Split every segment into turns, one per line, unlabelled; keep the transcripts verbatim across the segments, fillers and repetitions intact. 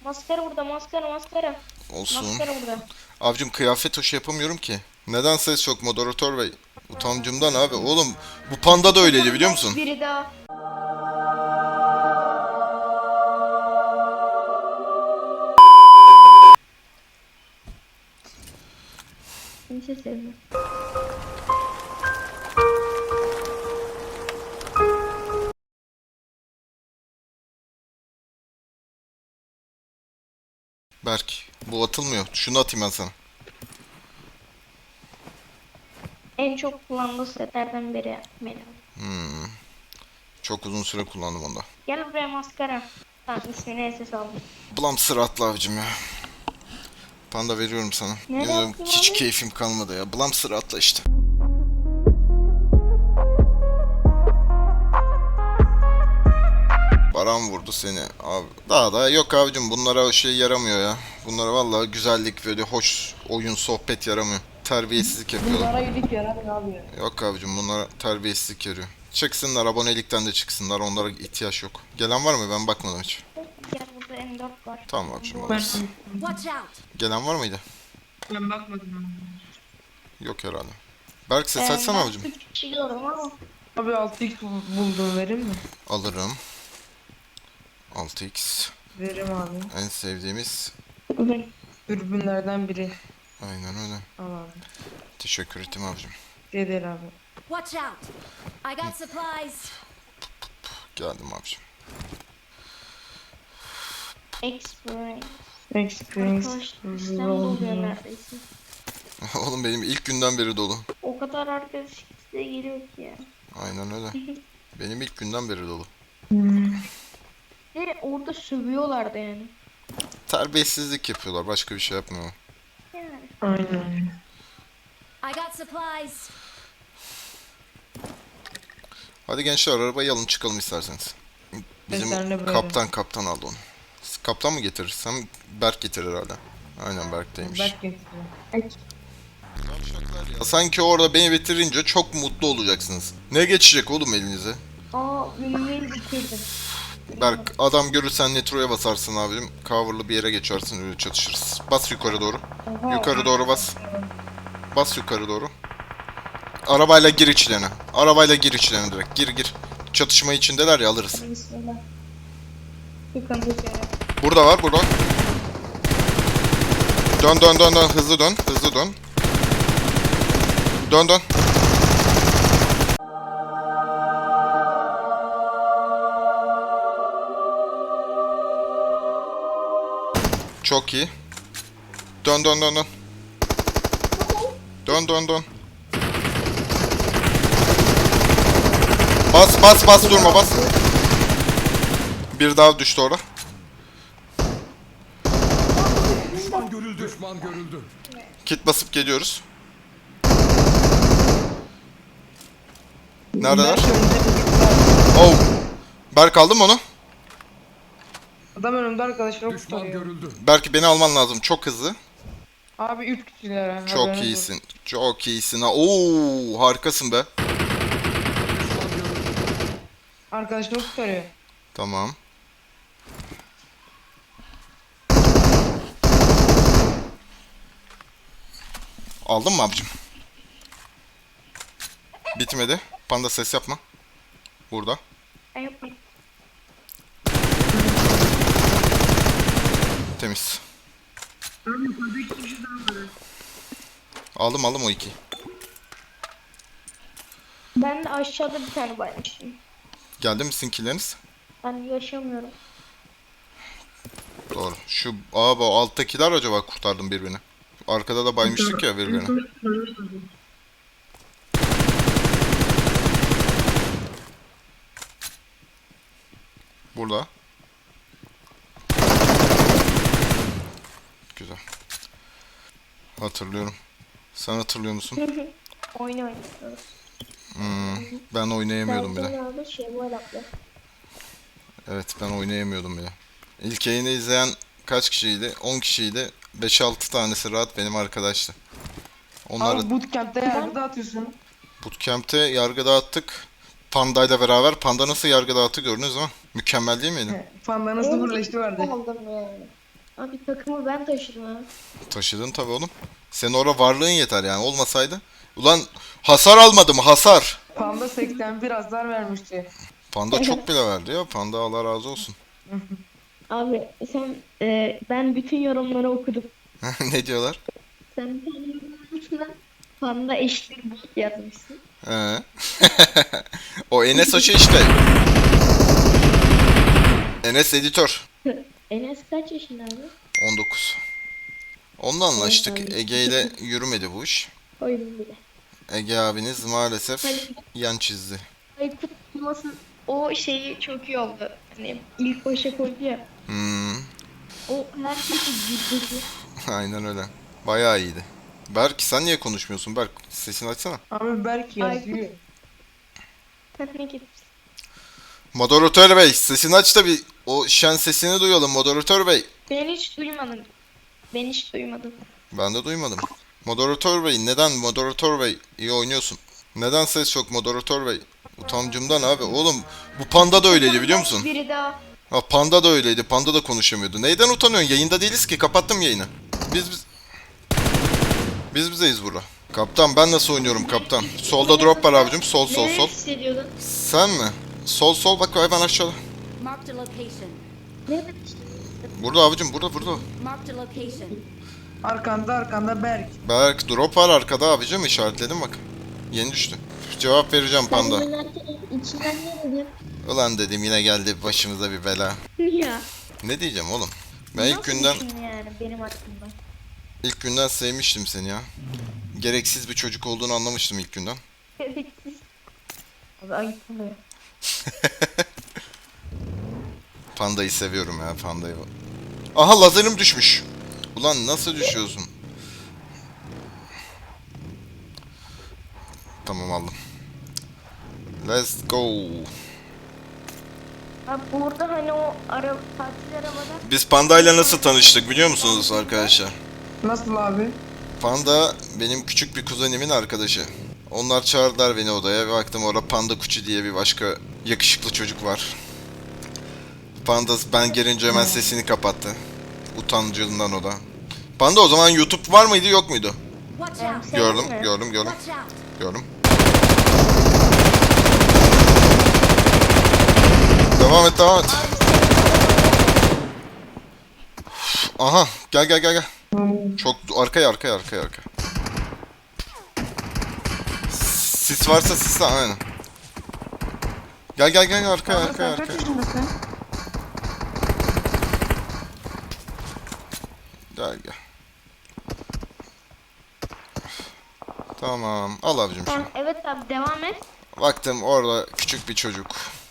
Maskara burada, maskara, maskara.
Olsun.
Maskara burada.
Avcım kıyafet hoş yapamıyorum ki. Neden ses yok moderatör bey? Utancımdan abi. Oğlum bu panda da öyleydi biliyor musun?
Biri daha. Kimse sevmiyor.
Berk bu atılmıyor. Şunu atayım ben sana.
En çok kullandığı setlerden biri benim.
Hmm. Çok uzun süre kullandım onda.
Gel buraya maskara. Tamam ismini S S aldım.
Blam sıratlı avcım ya. Panda veriyorum sana.
Nereye
Yemin
attın
hiç
abi?
keyfim kalmadı ya. Blam sıratla işte. Baran vurdu seni abi. Daha da yok abicim bunlara şey yaramıyor ya. Bunlara vallahi güzellik böyle hoş oyun sohbet yaramıyor. Terbiyesizlik yapıyorlar.
Bunlara iyilik yaramıyor abi ya.
Yok abicim bunlara terbiyesizlik yarıyor. Çıksınlar abonelikten de çıksınlar onlara ihtiyaç yok. Gelen var mı ben bakmadım hiç.
Gel burada M dört var.
Tamam abicim
Ben,
alırız.
Watch out!
Gelen var mıydı?
ben bakmadım.
Yok herhalde. Berk ses
Ee,
açsana
ben
abicim.
üç kişi gördüm ama.
Abi altı x buldum, verir mi?
Alırım. altı x.
Veririm abi.
En sevdiğimiz.
Dürbünlerden biri.
Aynen öyle.
Al abi.
Teşekkür ettim abicim.
Şey değil abi.
Watch out! I got supplies!
Geldim abicim.
Experience.
Experience.
Arkadaş sistem doluyor neredeyse.
Oğlum benim ilk günden beri dolu.
O kadar arkadaş size geliyor ki ya.
Aynen öyle. Benim ilk günden beri dolu.
Hmm.
Ve orada sövüyorlardı yani.
Terbiyesizlik yapıyorlar. Başka bir şey yapmıyorlar.
Yani.
Aynen.
I got supplies!
Hadi gençler arabayı alın çıkalım isterseniz. Bizim
Ben seninle böyle.
kaptan kaptan aldı onu. Kaptan mı getirir? Sen Berk getirir herhalde. Aynen Berk'teymiş.
Berk getiriyor.
Ya sanki orada beni bitirince çok mutlu olacaksınız. Ne geçecek oğlum elinize?
Aa ünlüyü bitirdim.
Berk adam görürsen Nitro'ya basarsın abim. Cover'lı bir yere geçersin öyle çatışırız. Bas yukarı doğru. Yukarı doğru bas. Bas yukarı doğru. Arabayla gir içlerine. Arabayla gir içlerine direkt. Gir gir. Çatışma içindeler ya alırız.
Bismillah. Sıkıntı yok yani.
Burada var burada. Dön dön dön dön hızlı dön hızlı dön. Dön dön. Çok iyi. Dön dön dön dön. Dön dön dön. Bas bas bas durma bas. Bir daha düştü orada.
Düşman görüldü. Düşman görüldü.
Kit basıp geliyoruz. Neredeler?
Berk önümde bir-
Oh. Berk aldın mı onu?
Adam önümde arkadaşlar
Düşman
kurtarıyor.
görüldü.
Belki beni alman lazım. Çok hızlı.
Abi üç kişiler ha.
Çok
haberiniz
iyisin. Çok iyisin. ha. Oo, harikasın be.
Düşman görüldü.
olsun. Arkadaşlar kurtarıyor.
Tamam. Aldın mı abicim? Bitmedi. Panda ses yapma. Burada.
Ben yok muyum?
Temiz. Aldım aldım o iki.
Ben de aşağıda bir tane baymıştım.
Geldi mi sizinkileriniz?
Ben yaşamıyorum.
Doğru. Şu abi o alttakiler acaba kurtardım birbirini. Arkada da baymıştık ya birbirine. Burada. Güzel. Hatırlıyorum. Sen hatırlıyor musun?
Oyun oynuyoruz.
Hmm, ben oynayamıyordum bile.
Ben şey var abla.
Evet ben oynayamıyordum bile. İlk yayını izleyen kaç kişiydi? on kişiydi. beş altı tanesi rahat benim arkadaştı. Onları
Abi bootcamp'te yargı dağıtıyorsun.
bootcamp'te yargı dağıttık. Panda'yla beraber. Panda nasıl yargı dağıttı gördünüz mü? Mükemmel değil miydi?
Panda nasıl birleşti vardı.
Aldım yani. Abi takımı ben taşıdım ha.
Taşıdın tabii oğlum. Senin orada varlığın yeter yani olmasaydı. Ulan hasar almadım hasar.
Panda seksen bir hasar vermişti.
Panda çok bile verdi ya. Panda Allah razı olsun.
Abi sen e, ben bütün yorumları okudum.
Ne diyorlar?
Sen bir tane yorum yazmışsın. Panda eşittir bot yazmışsın.
He. O Enes Hoca işte. Enes editör.
Enes kaç yaşında abi?
on dokuz. Onunla anlaştık.
Ay,
Ege ile yürümedi bu iş.
Koydum bile.
Ege abiniz maalesef
Hani
yan çizdi.
Aykut Yılmaz'ın o şeyi çok iyi oldu. Hani ilk başa koydu ya.
Hmm,
O herkesi güldürdü.
aynen öyle. Bayağı iyiydi. Berk sen niye konuşmuyorsun Berk? Sesini açsana.
Abi Berk yazıyor.
Sen ne gitsin?
Moderatör bey sesini aç da bir o şen sesini duyalım moderatör bey.
Ben hiç duymadım. Ben hiç duymadım.
Ben de duymadım. Moderatör bey neden moderatör bey iyi oynuyorsun? Neden ses yok moderatör bey? Utancımdan abi oğlum bu panda da öyleydi biliyor musun?
Biri daha.
Ha panda da öyleydi panda da konuşamıyordu. Neyden utanıyorsun yayında değiliz ki kapattım yayını. Biz biz... Biz bizeyiz burada. Kaptan ben nasıl oynuyorum kaptan? Solda drop var abicim sol sol
Ne
sol.
hissediyordun?
Sen mi? Sol sol bak hemen aşağıda.
Marked a location.
Ne
Burada abicim burada burada.
Marked a location.
Arkanda arkanda Berk.
Berk drop var arkada abicim işaretledim bak. Yeni düştü. Cevap vereceğim panda.
Sen oynarken içinden ne dedin?
Ulan dedim yine geldi başımıza bir bela.
Ya.
Ne diyeceğim oğlum? Ben ilk
Nasıl
günden
düşün yani benim aklımda.
ilk günden sevmiştim seni ya. Gereksiz bir çocuk olduğunu anlamıştım ilk günden.
Gereksiz. Abi ayıp oluyor.
Pandayı seviyorum ya pandayı. Aha lazerim düşmüş. Ulan nasıl düşüyorsun? Tamam aldım. Let's go.
Abi burada hani o ara tatil arabada
Biz pandayla nasıl tanıştık biliyor musunuz arkadaşlar?
Nasıl abi?
Panda benim küçük bir kuzenimin arkadaşı. Onlar çağırdılar beni odaya ve baktım orada Panda Kuçu diye bir başka yakışıklı çocuk var. Panda ben gelince hemen sesini kapattı. Utancından o da. Panda o zaman YouTube var mıydı yok muydu?
Watch
Em,
out.
senin
Gördüm,
mi?
gördüm, gördüm,
Watch out.
gördüm. Devam et, devam et. Aha, gel gel gel gel. Çok arkaya arkaya arkaya arkaya. Sis varsa sisle aynen. Gel gel gel arkaya
Abi
arkaya
sen kaç
arkaya.
yaşındasın?
Gel gel. Tamam. Al abicim şunu.
Tamam, evet abi devam et.
Baktım orada küçük bir çocuk.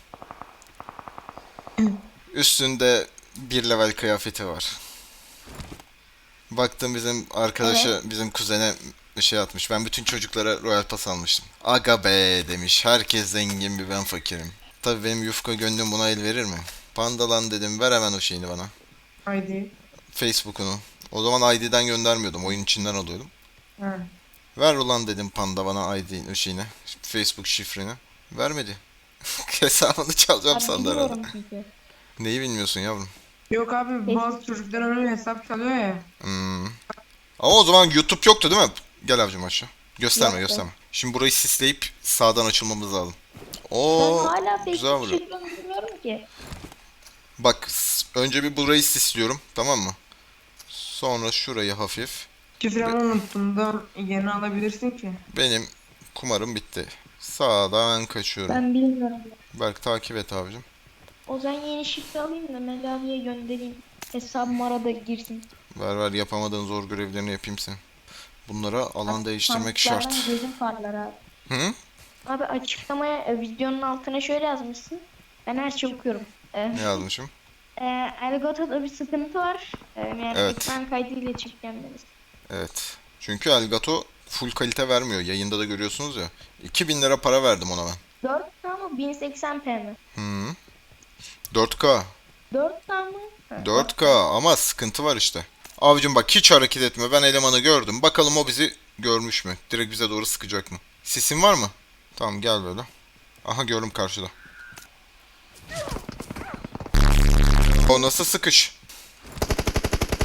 Üstünde bir level kıyafeti var. Baktım bizim arkadaşa, bizim kuzene bir şey atmış. Ben bütün çocuklara Royal Pass almıştım. Aga be demiş. Herkes zengin bir ben fakirim. Tabii benim yufka gönlüm buna el verir mi? Pandalan dedim ver hemen o şeyini bana.
Haydi.
Facebook'unu. O zaman I D'den göndermiyordum. Oyun içinden alıyordum.
Ha.
Ver ulan dedim panda bana I D şeyini. Facebook şifreni. Vermedi. Hesabını çalacağım
Abi
sandı herhalde.
biliyorum çünkü.
Neyi bilmiyorsun yavrum?
Yok abi bazı çocuklar öyle hesap çalıyor ya.
Hmm. Ama o zaman YouTube yoktu değil mi? Gel abicim aşağı. Gösterme
Yoktu.
gösterme. Şimdi burayı sisleyip sağdan açılmamız lazım.
Ben
Oo,
hala
güzel
Facebook
vuruyor.
şifremi bilmiyorum ki.
Bak s- önce bir burayı sisliyorum tamam mı? Sonra şurayı hafif.
Şifremi unuttum da yeni alabilirsin ki.
Benim kumarım bitti. Sağdan kaçıyorum.
Ben bilmiyorum.
Berk takip et abicim.
O zaman yeni şifre alayım da Melavi'ye göndereyim. Hesabım arada girsin.
Ver ver yapamadığın zor görevlerini yapayım senin. Bunlara alan değiştirmek şart.
Sandıklardan gözüm parlar abi.
Hı?
Abi açıklamaya e, videonun altına şöyle yazmışsın. Ben her şeyi okuyorum. E,
Ne yazmışım?
e, Elgato'da bir sıkıntı var. E, yani
Evet.
ekran kaydıyla çekeceğim.
Evet. Çünkü Elgato full kalite vermiyor. Yayında da görüyorsunuz ya. iki bin lira para verdim ona ben.
dört K mı bin seksen p mi?
Hı. dört K.
dört K mı? Ha,
dört K ama sıkıntı var işte. Abicim bak hiç hareket etme. Ben elemanı gördüm. Bakalım o bizi görmüş mü? Direkt bize doğru sıkacak mı? Sisin var mı? Tamam gel böyle. Aha gördüm karşıda. O nasıl sıkış?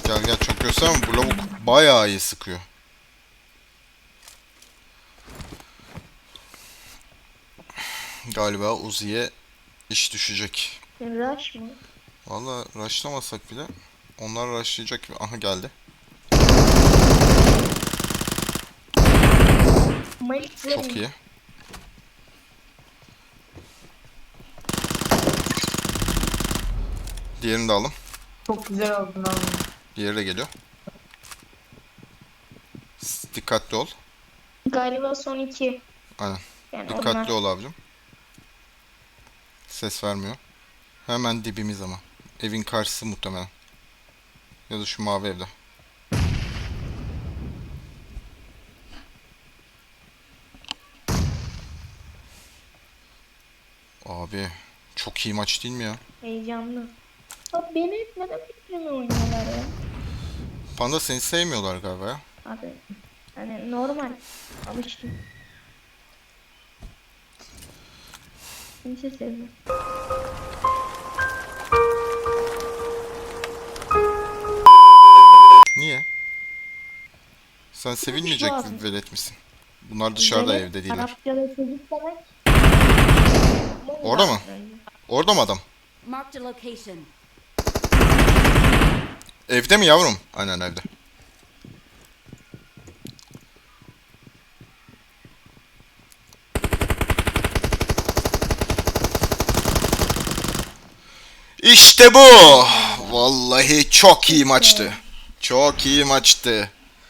Gel gel, çok gösterme, bu lavuk bayağı iyi sıkıyor. Galiba Uzi'ye iş düşecek.
Rush mı?
Valla rushlamasak bile onlar rushlayacak. Aha geldi.
Malik
Çok iyi. Diğerini de alın.
Çok güzel oldun abi.
Diğeri de geliyor. S- Dikkatli ol.
Galiba son iki.
Aynen.
Yani
Dikkatli
onlar.
ol abicim. Ses vermiyor. Hemen dibimiz ama. Evin karşısı muhtemelen. Ya da şu mavi evde. Abi çok iyi maç değil mi ya?
Heyecanlı. Abi beni hep neden bitirme oynuyorlar ya?
Panda seni sevmiyorlar galiba ya.
Abi hani normal. Alıştım. Kimse sevmiyor.
Niye? Sen sevilmeyecek
lazım.
bir velet misin? Bunlar dışarıda,
Böyle
evde değiller.
Arapçada çocuk demek.
Orada mı? Orada mı adam?
Marked a location.
Evde mi yavrum? Aynen evde. İşte bu. Vallahi çok iyi maçtı. Çok iyi maçtı.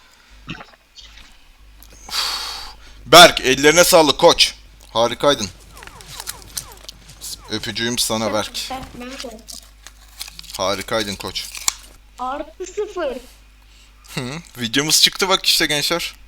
Uf. Berk, ellerine sağlık koç. Harikaydın. Öpücüğüm sana Berk.
Ben, ben de.
Harikaydın koç.
Artı sıfır.
Hı, videomuz çıktı bak işte gençler.